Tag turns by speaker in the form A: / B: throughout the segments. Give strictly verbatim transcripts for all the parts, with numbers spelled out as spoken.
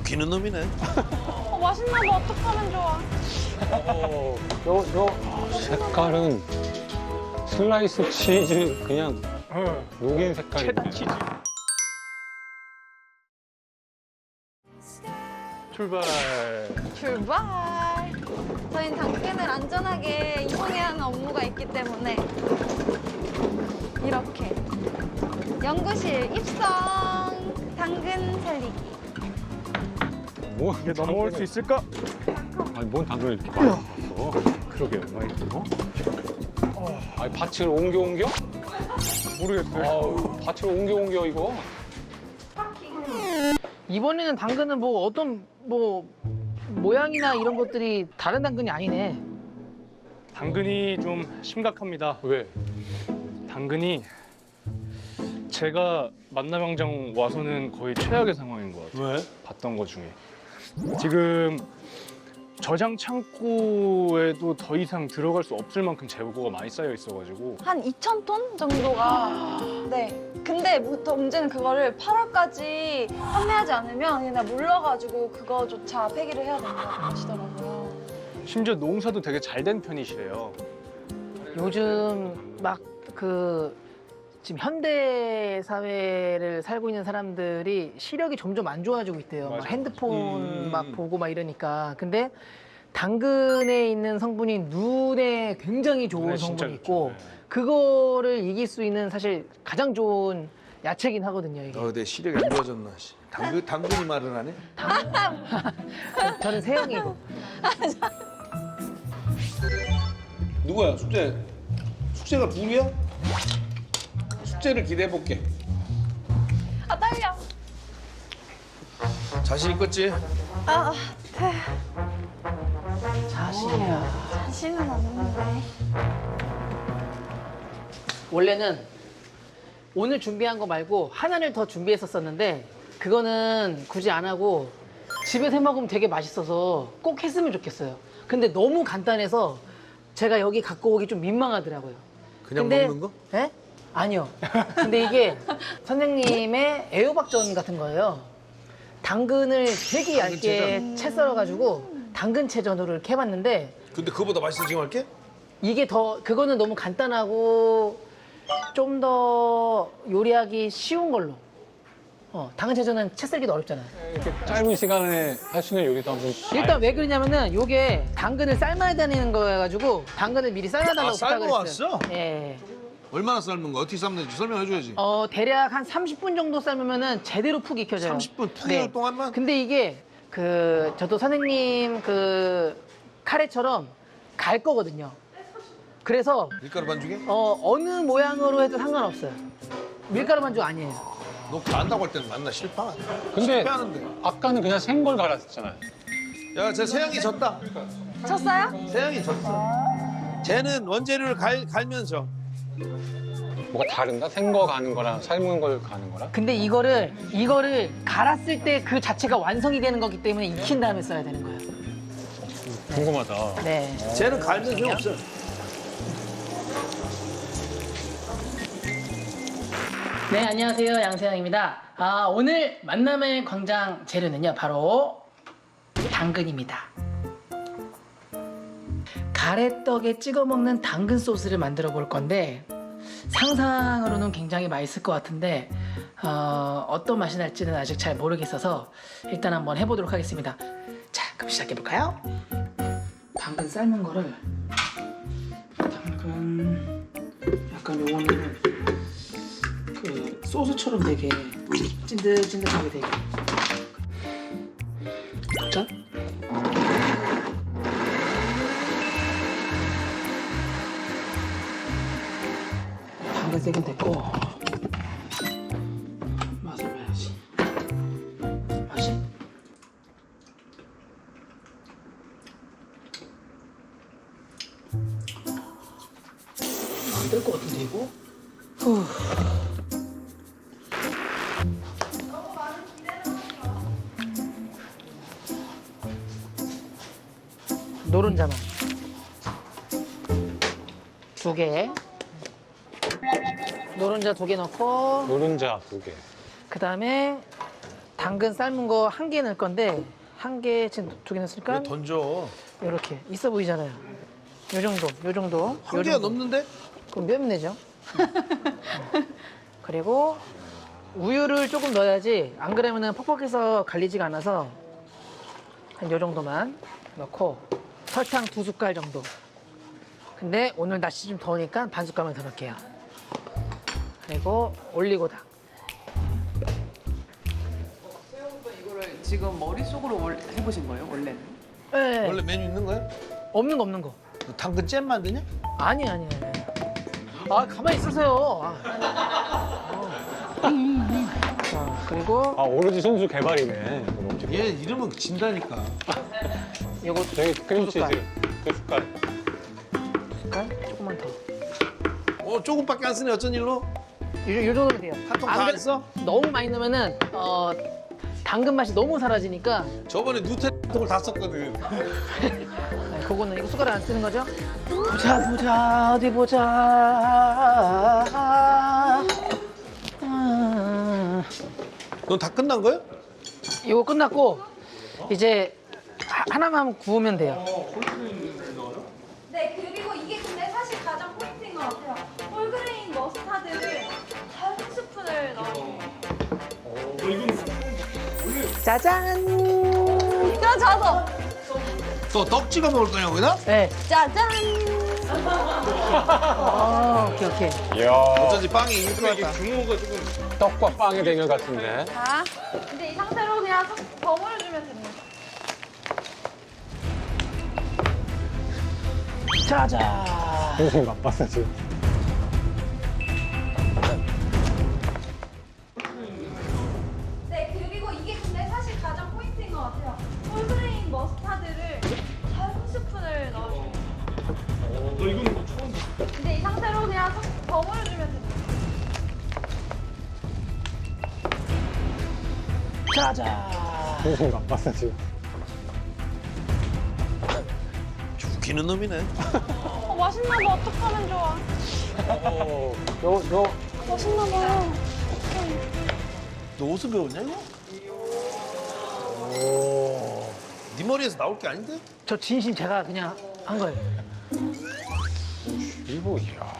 A: 웃기는 놈이네.
B: 어, 맛있나 봐. 어떡하면 좋아.
C: 어, 요, 요 색깔은 슬라이스 치즈 그냥 녹인 색깔인데.
D: 치즈. 출발.
B: 출발. 저희는 당근을 안전하게 이동해야 하는 업무가 있기 때문에 이렇게 연구실 입성. 당근 살리기.
C: 뭐,
D: 이게 넘어올 수 있을까?
C: 아니, 뭔 당근을 이렇게 많이 넣었어?
D: 그러게요. 많이 들어?
C: 아니, 밭을 옮겨 옮겨?
D: 모르겠어요.
C: 아우, 밭을 옮겨 옮겨 이거.
E: 이번에는 당근은 뭐 어떤 뭐 모양이나 이런 것들이 다른 당근이 아니네.
D: 당근이 좀 심각합니다.
C: 왜?
D: 당근이 제가 만남광장 와서는 거의 최악의 상황인 것 같아요.
A: 왜?
D: 봤던 것 중에. 지금 저장 창고에도 더 이상 들어갈 수 없을 만큼 재고가 많이 쌓여 있어가지고
B: 한 이천 톤 정도가. 네. 근데 또 문제는 그거를 팔월까지 판매하지 않으면 얘네 몰라가지고 그거조차 폐기를 해야 된다고 하시더라고요.
D: 심지어 농사도 되게 잘 된 편이시래요.
E: 요즘 막 그 지금 현대 사회를 살고 있는 사람들이 시력이 점점 안 좋아지고 있대요. 막
D: 맞아.
E: 핸드폰
A: 음.
E: 막 보고 막 이러니까. 근데 당근에 있는 성분이 눈에 굉장히 좋은
D: 눈에 진짜
E: 성분이
D: 좋죠.
E: 있고
D: 네.
E: 그거를 이길 수 있는 사실 가장 좋은 야채긴 하거든요. 이게.
A: 어, 내 시력이 안 좋아졌나. 씨. 당근, 당근이 말을 하네?
E: 저는 세영이고.
A: 누구야, 숙제? 숙제가 둘이야? 숙제를 기대해볼게.
B: 아, 떨려.
A: 자신 있겠지?
B: 아, 네.
E: 자신이야.
B: 자신은 없는데.
E: 원래는 오늘 준비한 거 말고 하나를 더 준비했었었는데 그거는 굳이 안 하고 집에서 해 먹으면 되게 맛있어서 꼭 했으면 좋겠어요. 근데 너무 간단해서 제가 여기 갖고 오기 좀 민망하더라고요.
A: 그냥
E: 근데-
A: 먹는 거?
E: 예? 아니요. 근데 이게 선생님의 애호박전 같은 거예요. 당근을 되게 얇게 채 썰어가지고 당근채전으로 이렇게 해봤는데
A: 근데 그거보다 맛있어 지금 할게?
E: 이게 더 그거는 너무 간단하고 좀 더 요리하기 쉬운 걸로. 어, 당근채전은 채 썰기도 어렵잖아요.
C: 이렇게 짧은 시간에 할 수 있는 요리도 한번.
E: 일단 왜 그러냐면은 요게 당근을 삶아야 되는 거여가지고 당근을 미리 삶아달라고
A: 아,
E: 부탁을
A: 삶아
E: 했어요.
A: 왔어?
E: 예.
A: 얼마나 삶는 거? 어떻게 삶는지 설명해줘야지.
E: 어 대략 한 삼십 분 정도 삶으면은 제대로 푹 익혀져요.
A: 삼십 분 푹 익을 동안만?
E: 근데 이게 그 저도 선생님 그 카레처럼 갈 거거든요. 그래서
A: 밀가루 반죽에?
E: 어 어느 모양으로 해도 상관없어요. 밀가루 반죽 아니에요.
A: 너 안다고 할 때는 만나 실파.
C: 근데
A: 실패하는데.
C: 아까는 그냥 생걸 갈았잖아요.
A: 야, 제 세영이 졌다.
B: 쳤어요?
A: 세영이 졌어. 쟤는 원재료를 갈, 갈면서.
C: 뭐가 다른가? 생거 가는 거랑 삶은 걸 가는 거랑?
E: 근데 이거를 이거를 갈았을 때 그 자체가 완성이 되는 거기 때문에 익힌 다음에 써야 되는 거예요.
C: 궁금하다.
E: 네.
A: 쟤는 갈면 소용없어.
E: 네, 안녕하세요. 양세형입니다. 아, 오늘 만남의 광장 재료는요, 바로 당근입니다. 가래떡에 찍어 먹는 당근 소스를 만들어 볼 건데 상상으로는 굉장히 맛있을 것 같은데 어, 어떤 맛이 날지는 아직 잘 모르겠어서 일단 한번 해보도록 하겠습니다. 자, 그럼 시작해 볼까요? 당근 삶은 거를 당근 약간 요거는 그 소스처럼 되게 찐득찐득하게 되게 짠? 당근 세긴 됐고 맛을 봐야지. 맛이 안 될 것 같은데 이거? 후. 노른자만 두 개, 노른자 두 개 넣고
C: 노른자 두 개.
E: 그 다음에 당근 삶은 거 한 개 넣을 건데 한 개 지금 두 개 넣었으니까
A: 왜 던져?
E: 이렇게 있어 보이잖아요. 요 정도, 요 정도.
A: 한
E: 요
A: 개가
E: 정도.
A: 넘는데?
E: 그럼 몇 내죠? 그리고 우유를 조금 넣어야지 안 그러면은 퍽퍽해서 갈리지가 않아서 한 요 정도만 넣고 설탕 두 숟갈 정도. 근데 오늘 날씨 좀 더우니까 반 숟갈만 더 넣을게요. 그리고 올리고당.
F: 이거를 지금 머릿속으로 월- 해보신 거예요, 원래는?
E: 네.
A: 원래 메뉴 있는 거야?
E: 없는 거 없는 거.
A: 너 당근 잼 만드냐?
E: 아니 아니 아니. 아 가만히 있으세요. 아. 자 그리고
C: 아 오로지 손수 개발이네. 이거 어떻게.
A: 얘 이름은 진다니까.
E: 요거
C: 저기 크림치즈
E: 숟갈.
C: 두 숟갈.
E: 숟갈 조금만 더.
A: 어 조금밖에 안 쓰네 어쩐 일로?
E: 요, 요 정도면 돼요.
A: 한 통
E: 안
A: 다
E: 그래-
A: 안 써?
E: 너무 많이 넣으면은 어 당근 맛이 너무 사라지니까
A: 저번에 누텔라 통을 다 썼거든.
E: 네, 그거는 이거 숟가락 안 쓰는 거죠? 보자 보자 어디 보자. 아,
A: 넌 다 끝난 거야?
E: 이거 끝났고 이제 하- 하나만 구우면 돼요.
B: 네, 그리고 이게 근데 사실 가장 포인트인 것 같아요. 홀그레인 머스타드를 한 스푼을 넣어요.
E: 짜잔.
B: 그럼 저도
A: 너 떡 찍어 먹을 거냐 거기다?
E: 네.
B: 짜잔.
E: 어, 오케이 오케이.
C: 이야.
A: 어쩐지 빵이 이길 것 같다.
C: 떡과 빵의 대결 같은데.
B: 자, 이제 이 상태로 그냥 석- 버무려주면 됩니다.
E: 짜잔.
C: 선생님 맛봤어 지금.
B: 네, 그리고 이게 근데 사실 가장 포인트인 것 같아요. 홀그레인 머스타드를 한 스푼을 넣어줘요. 너 이건 뭐 처음 이제 이 상태로 그냥 석- 버무려주면 됩니다.
E: 짜잔.
C: 선생님 맛봤어 지금.
A: 죽이는 놈이네.
B: 어, 맛있나 봐. 어떡하면 좋아.
C: 요 요.
B: 맛있나 봐요.
A: 너 어디서 배웠냐 이거? 네 머리에서 나올 게 아닌데?
E: 저 진심 제가 그냥 한 거예요.
C: 이거 이야.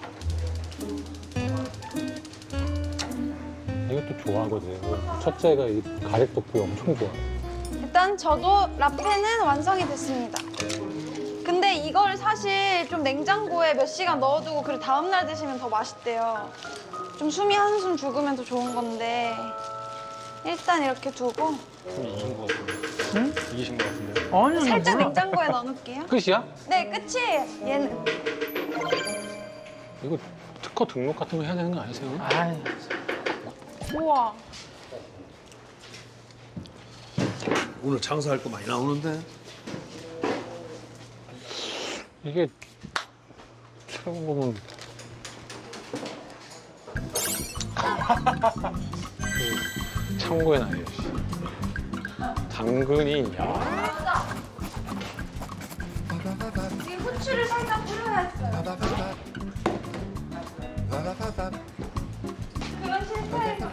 C: 이것도 좋아하거든. 첫째가 이 가래떡볶이 엄청 좋아해.
B: 일단 저도 라페는 완성이 됐습니다. 근데 이걸 사실 좀 냉장고에 몇 시간 넣어두고 그 다음날 드시면 더 맛있대요. 좀 숨이 한숨 죽으면 더 좋은 건데 일단 이렇게 두고
D: 이긴 것 같은데. 응? 이기신 것 같은데.
E: 아니,
B: 살짝
E: 몰라.
B: 냉장고에 넣어놓을게요.
C: 끝이야?
B: 네, 끝이에요. 얘는.
C: 이거 특허 등록 같은 거 해야 되는 거 아니세요?
E: 아유,
B: 우와.
A: 오늘 장사할 거 많이 나오는데.
C: 이게 새로 보면 그 참고의 나이 당근이 야
B: 이 후추를 살짝 뿌려야 했어요. 그런 실패에서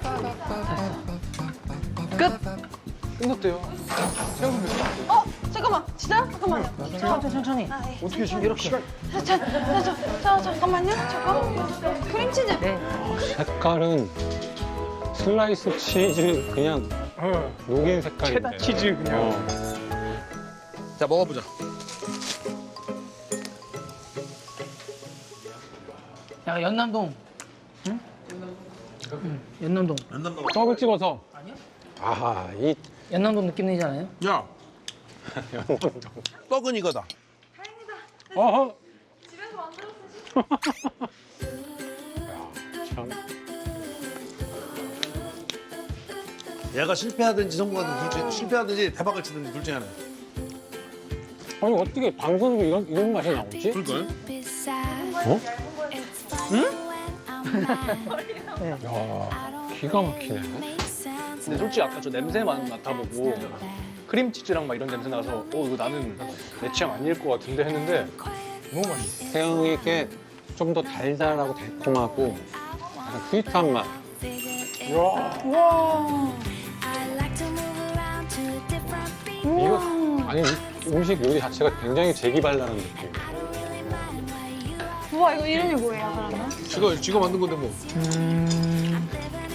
C: 끝났대요.
B: 어? 잠깐만. 진짜요? 잠깐만요.
E: 천천히, 천천히.
B: 아, 네.
E: 어떻게 지금 이렇게?
B: 자, 자, 자, 자, 자, 잠깐만요. 잠깐. 크림치즈.
E: 네.
C: 색깔은 슬라이스 치즈 그냥
D: 어,
C: 녹인 색깔인데.
D: 체다 치즈 그냥.
C: 어.
A: 자 먹어보자.
E: 야, 연남동. 응? 응, 연남동.
A: 랜덤 먹어.
C: 떡을 찍어서. 아하 이
E: 연남동 느낌 내지 않아요?
A: 야, 떡은 이거다.
B: 다행이다.
C: 어허.
B: 집에서 만들었어.
C: 참.
A: 얘가 실패하든지 성공하든지 둘 중에 실패하든지 대박을 치든지 둘 중에 하나.
C: 아니 어떻게 방송에서 이런 이런 맛이 나오지?
A: 그럴걸?
C: 어?
G: 응?
C: 야 기가 막히네.
D: 근데 솔직히 아까 저 냄새만 맡아보고 크림치즈랑 막 이런 냄새 나서 어 이거 나는 내 취향 아닐 것 같은데 했는데 너무 맛있어.
C: 태양이 이렇게 좀 더 달달하고 달콤하고 약간 스윗한 맛.
D: 와.
B: 와.
G: I like
C: 이거 아니 이 음식 요리 자체가 굉장히 재기발랄한 느낌.
B: 우와, 이거 이름이 뭐예요, 그러면?
A: 지가 지가 만든 건데 뭐.
E: 음,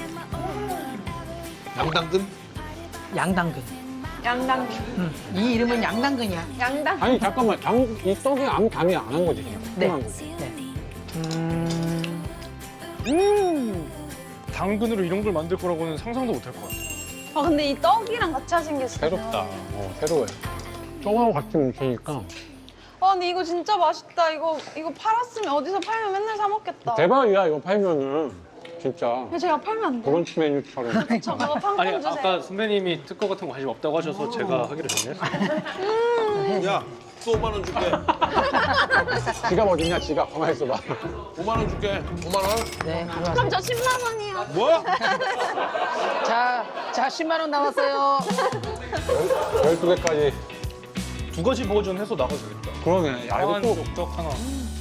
A: 양당근?
E: 양당근.
B: 양당근.
E: 음, 이 이름은 양당근이야.
B: 양당.
C: 아니 잠깐만 당, 이 떡이 아무 감이 안 한 거지 그냥.
E: 네.
C: 조그만 거지.
E: 네. 음,
D: 음. 당근으로 이런 걸 만들 거라고는 상상도 못 할 것 같아.
B: 아, 근데 이 떡이랑 같이 하신 게 진짜.
C: 새롭다. 어, 새로워요. 떡하고 같이 뭉치니까
B: 아, 근데 이거 진짜 맛있다. 이거 이거 팔았으면 어디서 팔면 맨날 사 먹겠다.
C: 대박이야 이거 팔면은 진짜
B: 왜 제가 팔면 안 돼?
C: 브런치 메뉴처럼.
B: 저 그거
D: 아니
B: 판권 주세요.
D: 아까 선배님이 특허 같은 거 관심 없다고 하셔서 제가 하기로 정했어요.
A: 야, 또 오만 원 줄게.
C: 지갑 어딨냐 지갑 가만히 있어봐.
A: 오만 원 줄게. 오만 원?
E: 네, 가져왔어요.
B: 그럼 저 십만 원이요.
A: 뭐?
E: 자, 자, 십만 원 나왔어요.
C: 열두 개까지.
D: 두 가지 버전 해서 나가도 되겠다.
C: 그러네. 야 이거
D: 한
C: 또
D: 쪽쪽 하나.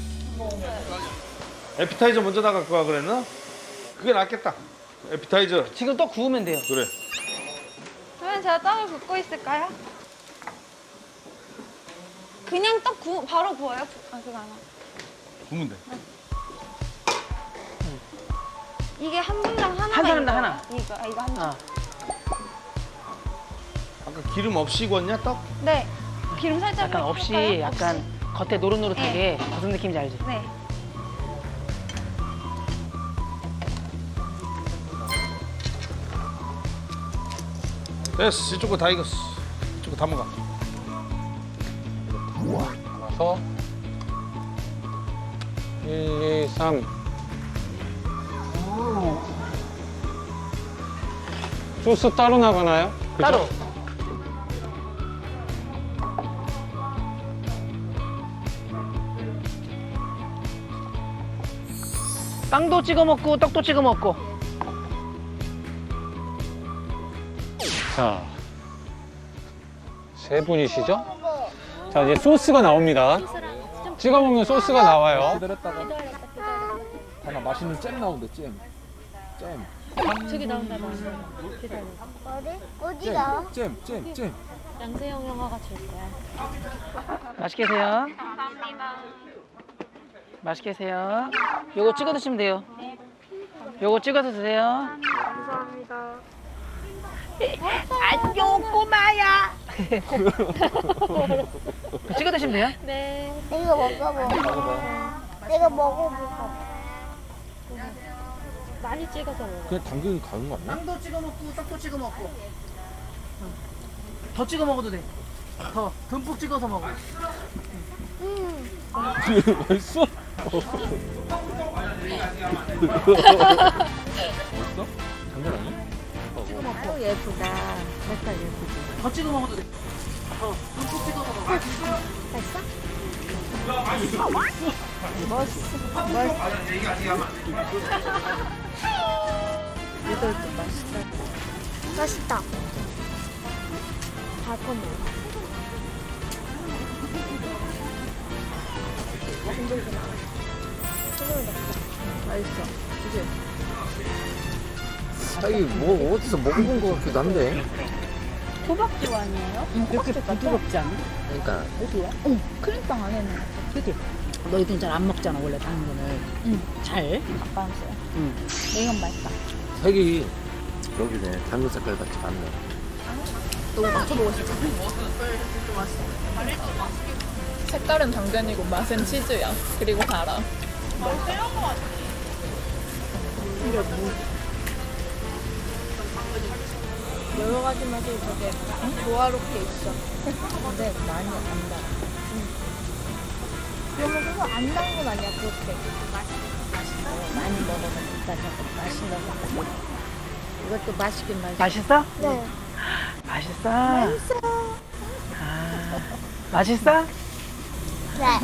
A: 에피타이저 먼저 나갈 거야 그랬나? 그게 낫겠다. 에피타이저.
E: 지금 또 구우면 돼요.
A: 그래.
B: 그러면 제가 떡을 굽고 있을까요? 그냥 떡 구, 바로 구워요? 아, 그거 안 하고.
A: 구면 돼.
B: 이게 한 분당 하나.
E: 한 사람당 하나.
B: 이거, 아, 이거 한 장.
E: 아,
A: 아까 기름 없이 구웠냐 떡?
B: 네. 기름 살짝.
E: 약간
B: 이렇게
E: 없이
B: 할까요?
E: 약간 겉에 노릇노릇하게 무슨 느낌인지 알지?
B: 없이? 네.
A: 됐어. 이쪽 거 다 익었어. 이쪽 거 다 먹어.
C: 와서 일, 이, 삼. 소스 따로 나가나요? 그죠?
E: 따로. 빵도 찍어 먹고 떡도 찍어 먹고.
C: 자, 세 분이시죠? 자, 이제 소스가 나옵니다. 찍어 먹는 소스가 나와요.
H: 기다렸다가 하나 맛있는 잼 나온대 잼. 잼.
G: 저기 나온다 나온다. 기다려.
I: 어디? 어디가?
H: 잼, 잼, 잼.
G: 양세형 영화가 줄 거야.
E: 맛있게 드세요. 감사합니다. 맛있게 드세요. 요거 찍어 드시면 돼요. 요거 찍어서 드세요.
I: 안녕 꼬마야.
E: 찍어 드시면 돼요.
G: 네.
I: 내가 먹어봐. 내가 먹어볼까?
G: 많이 찍어서 먹어.
H: 그냥 당근 가는 거 아니야?
E: 빵도 찍어 먹고 떡도 찍어 먹고. 더 찍어 먹어도 돼. 더 듬뿍 찍어서 먹어.
H: 맛있어? 맛있어? 당근 아니야?
I: 아유 예쁘다. 색깔 예쁘지.
E: 더 찍어 먹어도 돼. 더 듬뿍 찍어서 먹어.
I: 됐어? 멋있어. 멋있어. 이것도 맛있다. 맛있다. 달콤해. 맛있어. 그치?
H: 자기 뭐 어디서 먹어본 거 같기도 한데.
G: 호박죽 아니에요?
J: 이렇게 부드럽지 않아?
H: 그러니까
J: 어디야? 응, 크림빵 안에는. 그치? 너 이건 잘 안 먹잖아, 원래 당근을. 응. 잘?
G: 아빠 안 써요.
J: 응.
G: 이건 맛있다.
H: 색이 여기네. 당근 색깔 같이 맞네.
J: 너 맞춰보고 싶어?
F: 색깔은 당근이고 맛은 치즈야. 그리고 달아.
G: 여러 가지 맛이 되게 조화롭게 있어. 근데 많이 안 달. 그러면 그거 안 단 건 아니야, 그렇게.
J: 많이 먹으면 일단 조금 맛있는 것 같아. 이것도 맛있긴 맛있어.
E: 맛있어?
I: 네.
E: 맛있어. 맛있어. 아, 맛있어?
I: 네.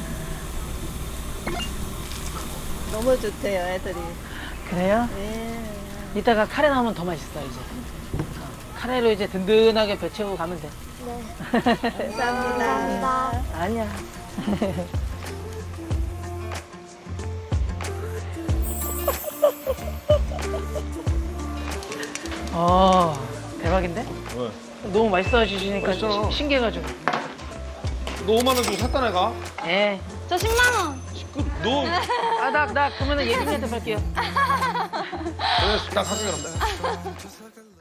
G: 너무 좋대요, 애들이.
E: 그래요?
G: 네.
E: 이따가 카레 나오면 더 맛있어 이제. 카레로 이제 든든하게 배 채우고 가면 돼.
I: 네. 감사합니다.
E: 아니야. 어, 대박인데?
A: 왜?
E: 너무 맛있어 주시니까
A: 맛있잖아.
E: 신기해가지고.
A: 너 오만 원 주고 샀다 내가.
E: 예.
B: 저 십만 원.
A: 그, 너
E: 아, 나, 나 그러면은 예빈이한테 팔게요.
A: 그래 나 가져가란다.